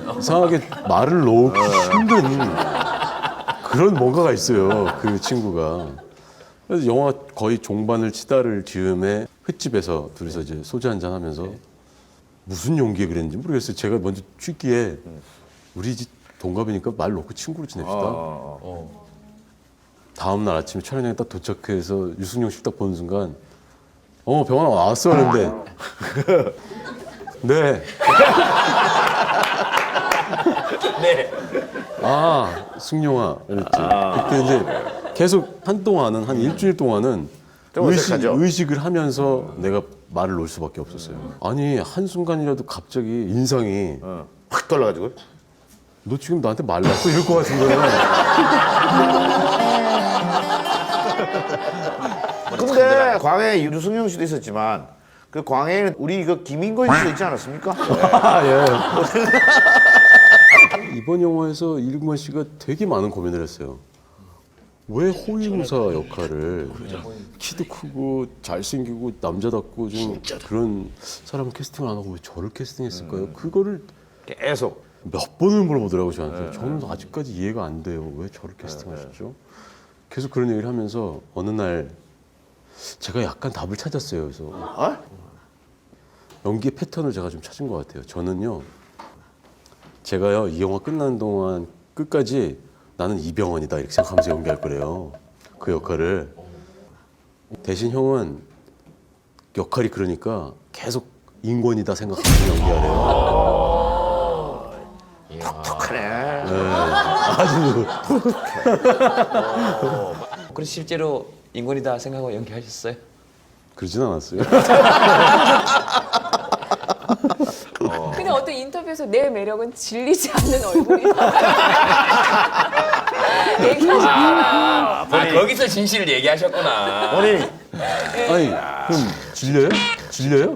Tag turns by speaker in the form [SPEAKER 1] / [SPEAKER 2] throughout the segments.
[SPEAKER 1] 이상하게 말을 놓기 힘든 그런 뭔가가 있어요. 그 친구가. 그래서 영화 거의 종반을 치다를 즈음에 횟집에서 둘이서 이제 소주 한잔 하면서 무슨 용기에 그랬는지 모르겠어요. 제가 먼저 취기에 우리 집 동갑이니까 말 놓고 친구로 지냅시다. 다음 날 아침에 촬영장에 딱 도착해서 유승용 씨 딱 보는 순간 병원아 왔어 하는데 네.
[SPEAKER 2] 네.
[SPEAKER 1] 아 승용아 그랬지. 그때 이제 계속 한동안은 한 일주일 동안은
[SPEAKER 3] 좀 어색하죠?
[SPEAKER 1] 의식을 하면서 내가 말을 놓을 수밖에 없었어요. 아니 한순간이라도 갑자기 인상이
[SPEAKER 3] 확 돌아가지고.
[SPEAKER 1] 너 지금 나한테 말 놨어? 이럴 것 같은 거야.
[SPEAKER 3] 근데 광해 유승용 씨도 있었지만 그 광해는 우리 그 김인권 씨도 있지 않았습니까?
[SPEAKER 1] 아, 예. 이번 영화에서 이승만 씨가 되게 많은 고민을 했어요. 왜 호위무사 역할을 키도 크고 잘생기고 남자답고 좀 그런 사람을 캐스팅을 안 하고 왜 저를 캐스팅했을까요? 그거를
[SPEAKER 3] 계속.
[SPEAKER 1] 몇 번을 물어보더라고요, 저한테. 저는 아직까지 이해가 안 돼요. 왜 저를 캐스팅하셨죠? 계속 그런 얘기를 하면서 어느 날 제가 약간 답을 찾았어요. 그래서
[SPEAKER 3] 어?
[SPEAKER 1] 연기의 패턴을 제가 좀 찾은 것 같아요. 저는요, 제가요, 이 영화 끝나는 동안 끝까지 나는 이병헌이다 이렇게 생각하면서 연기할 거래요. 그 역할을. 대신 형은 역할이 그러니까 계속 인권이다 생각하면서 연기하래요.
[SPEAKER 3] 톡톡하네.
[SPEAKER 1] 아주
[SPEAKER 2] 그래서 실제로 인권이다 생각하고 연기하셨어요?
[SPEAKER 1] 그러진 않았어요.
[SPEAKER 4] 근데 어떤 인터뷰에서 내 매력은 질리지 않는 얼굴이다. 얘기하셨잖아요.
[SPEAKER 2] 거기서 진실을 얘기하셨구나.
[SPEAKER 3] 본인이
[SPEAKER 1] 아니, 그럼 질려요? 질려요?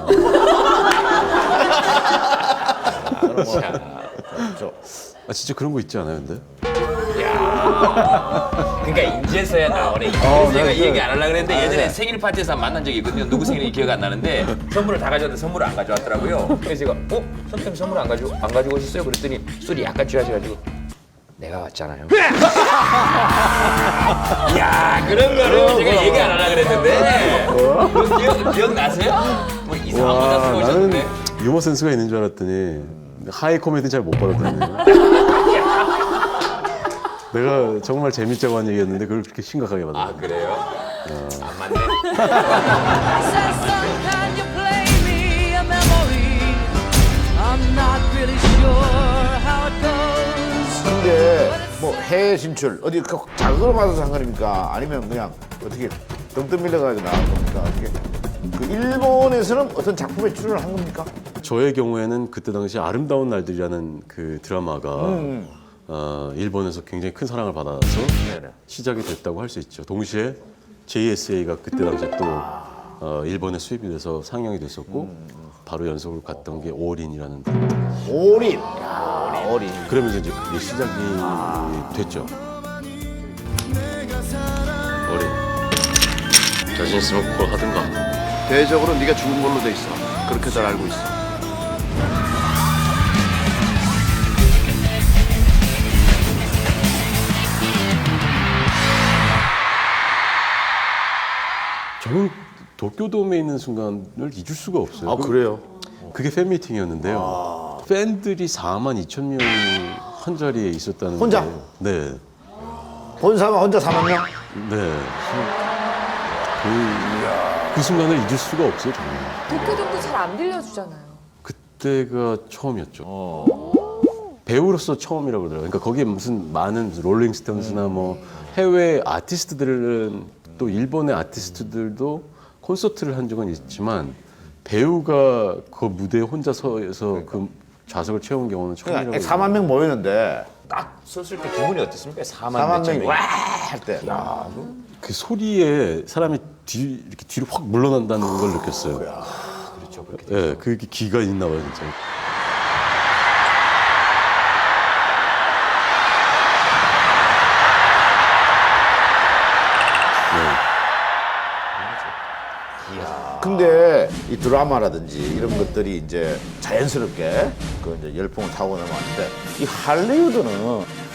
[SPEAKER 1] 아, 진짜 그런 거 있지 않아요, 근데?
[SPEAKER 2] 그러니까 인제서야 나오네. 그래서 제가 이 얘기 안 하려고 그랬는데 예전에 생일 파티에서 만난 적이 있거든요. 누구 생일인지 기억 안 나는데 선물을 다 가져왔는데 선물을 안 가져왔더라고요. 그래서 제가 선생님 선물 안 가지고 오셨어요? 그랬더니 술이 약간 취하셔가지고 내가 왔잖아요. 야 그런 거를 제가 얘기 안 하려고 그랬는데 그거 기억나세요? 뭐 이상한 거 다 쓰고 오셨는데.
[SPEAKER 1] 나는 유머 센스가 있는 줄 알았더니 하이 코미디 잘 못 받았다네. 내가 정말 재밌자고 한 얘기였는데 그걸 그렇게 심각하게 받아.
[SPEAKER 2] 아 그래요? 안 맞네.
[SPEAKER 5] said, "Son, can you play me a memory? I'm not really sure how it goes."
[SPEAKER 3] 근데 뭐 해외 진출 어디 그 자극을 받아서 한 겁니까? 아니면 그냥 어떻게 덩뜬 밀려가지고 나온 겁니까? 어떻게? 그 일본에서는 어떤 작품에 출연을 한 겁니까?
[SPEAKER 1] 저의 경우에는 그때 당시 아름다운 날들이라는 그 드라마가 일본에서 굉장히 큰 사랑을 받아서 시작이 됐다고 할 수 있죠. 동시에 JSA가 그때 당시에 또 일본에 수입이 돼서 상영이 됐었고 바로 연속으로 갔던 게 올인이라는 드라마.
[SPEAKER 3] 올인. 올인.
[SPEAKER 1] 그러면서 이제 그게 시작이 됐죠. 올인. 자신 있으면 그걸 하든가.
[SPEAKER 6] 대적으로 네가 죽은 걸로 돼 있어. 그렇게 잘 알고 있어.
[SPEAKER 1] 저는 도쿄돔에 있는 순간을 잊을 수가 없어요.
[SPEAKER 3] 아 그래요?
[SPEAKER 1] 그게 팬미팅이었는데요. 팬들이 4만 2천 명이 한 자리에 있었다는
[SPEAKER 3] 혼자?
[SPEAKER 1] 거예요. 네.
[SPEAKER 3] 본사만 혼자 4만 명?
[SPEAKER 1] 네. 그 순간을 잊을 수가 없어요, 정말.
[SPEAKER 4] 도쿄돔도 잘 안 빌려주잖아요.
[SPEAKER 1] 그때가 처음이었죠. 배우로서 처음이라고 그러더라고요. 그러니까 거기에 무슨 많은 롤링스톤스나 뭐 해외 아티스트들은 또 일본의 아티스트들도 콘서트를 한 적은 있지만 배우가 그 무대에 혼자 서서 그 좌석을 채운 경우는 처음이라고.
[SPEAKER 3] 그러니까 4만 명 모이는데
[SPEAKER 2] 딱 섰을 때 기분이 어땠습니까? 4만
[SPEAKER 3] 4만
[SPEAKER 2] 몇천
[SPEAKER 3] 명이 와 할 때. 야,
[SPEAKER 1] 그 소리에 사람이 이렇게 뒤로 확 물러난다는 걸 느꼈어요.
[SPEAKER 2] 그렇죠. 그렇게
[SPEAKER 1] 예, 그게 기가 있나 봐요, 진짜.
[SPEAKER 3] 근데 이 드라마라든지 이런 것들이 이제 자연스럽게 그 그 이제 열풍을 타고 넘어왔는데 이 할리우드는